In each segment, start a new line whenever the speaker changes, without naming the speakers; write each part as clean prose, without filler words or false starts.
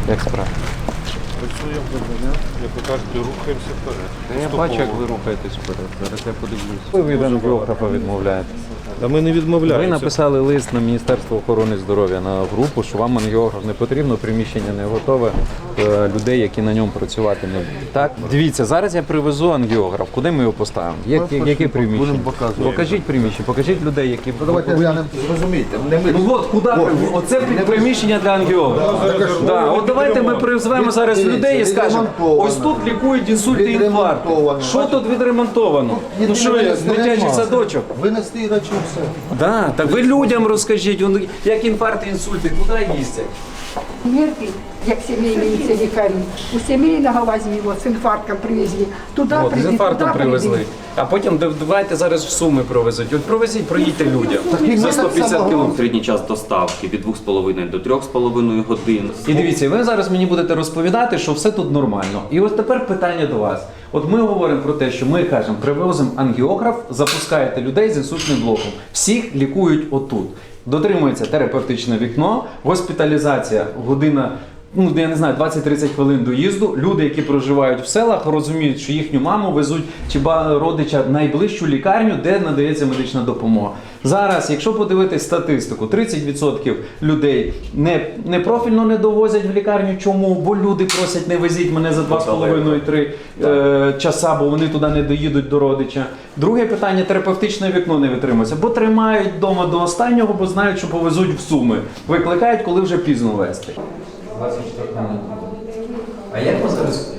Як справа?
Працюємо добре, як ви кажете, рухаємося вперед.
Я бачу, як ви рухаєтесь вперед. Зараз я подивлюсь. Ви від ангіографа відмовляєтесь.
Та ми не
Ви
відмовляємося.
написали лист на Міністерство охорони здоров'я на групу, що вам ангіограф не потрібно, приміщення не готове, людей, які на ньому працювати не будуть. Так? Дивіться, зараз я привезу ангіограф. Куди ми його поставимо? Яке приміщення?
будемо показувати.
Покажіть приміщення, покажіть людей, які...
Давайте глянемо, зрозумійте. Не ми.
Ну от, куди? Оце приміщення для ангіографа. Да, от давайте ми призвемо зараз людей і скажемо, ось тут лікують інсульт і інфаркт. Що тут відремонтовано? Ну що я, дитячий садочок?
Винести речі все.
Да, так ви людям розкажіть, як інфаркт і інсульти, куди їздять?
Мерки, як сімейні ці лікарі. У сімейного возьмі, з інфарктом привезли. Туди
От, з
привезли,
інфарктом
туди
привезли. А потім давайте зараз в Суми провезуть. От провезіть, проїдьте людям за 150 кілометрів.
Середній час доставки від 2,5 до 3,5 годин.
І дивіться, ви зараз мені будете розповідати, що все тут нормально. І ось тепер питання до вас. От ми говоримо про те, що ми кажемо, привозимо ангіограф, запускаєте людей з інсультним блоком. Всіх лікують отут. Дотримується терапевтичне вікно, госпіталізація, година, ну я не знаю, 20-30 хвилин доїзду. Люди, які проживають в селах, розуміють, що їхню маму везуть чи родича в найближчу лікарню, де надається медична допомога. Зараз, якщо подивитись статистику, 30% людей непрофільно не довозять в лікарню. Чому? Бо люди просять, не везіть мене за 2,5-3 часа, бо вони туди не доїдуть до родича. Друге питання, терапевтичне вікно не витримується, бо тримають вдома до останнього, бо знають, що повезуть в Суми. Викликають, коли вже пізно везти. 24 минути. А як ми зараз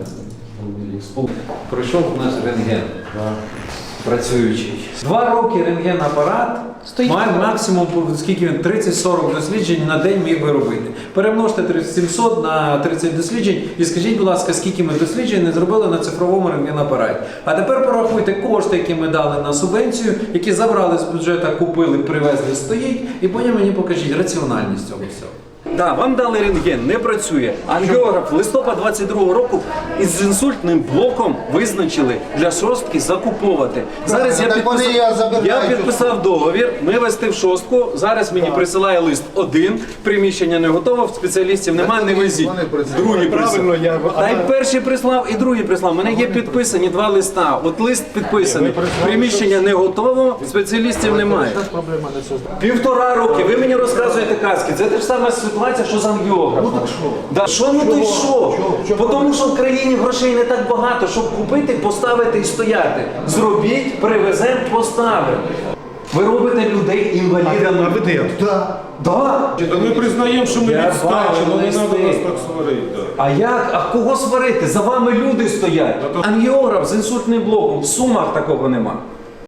пройшов наш рентген працюючий? 2 роки рентген-апарат має максимум, скільки він, 30-40 досліджень на день міг би робити. Перемножте 700 на 30 досліджень і скажіть, будь ласка, скільки ми досліджень не зробили на цифровому рентген-апараті. А тепер порахуйте кошти, які ми дали на субвенцію, які забрали з бюджету, купили, привезли, стоїть, і потім мені покажіть раціональність цього всього. Так, вам дали рентген, не працює. Ангіограф листопад 22-го року із інсультним блоком визначили для шостки закуповувати. Зараз я підписав договір, ми вести в шостку, зараз мені присилає лист один, приміщення не готово, спеціалістів немає, не везіть. Другий прислав. Та й перший прислав, і другий прислав. У мене є підписані 2 листа. От лист підписаний, приміщення не готово, спеціалістів немає. 1,5 роки, ви мені розказуєте казки, це те ж саме ситуація, що з ангіографом. Ну так що? Да, що, ну то й що? Бо тому що в країні грошей не так багато, щоб купити, поставити і стояти. Зробіть, привеземо, поставимо. Ви робите людей інвалідами.
А ви де?
Так.
Да.
Та ми признаємо, що ми
Я
відстали,
бачу
але не
листи.
треба нас так сварити.
А як? А кого сварити? За вами люди стоять. Ангіограф з інсультним блоком. В Сумах такого нема.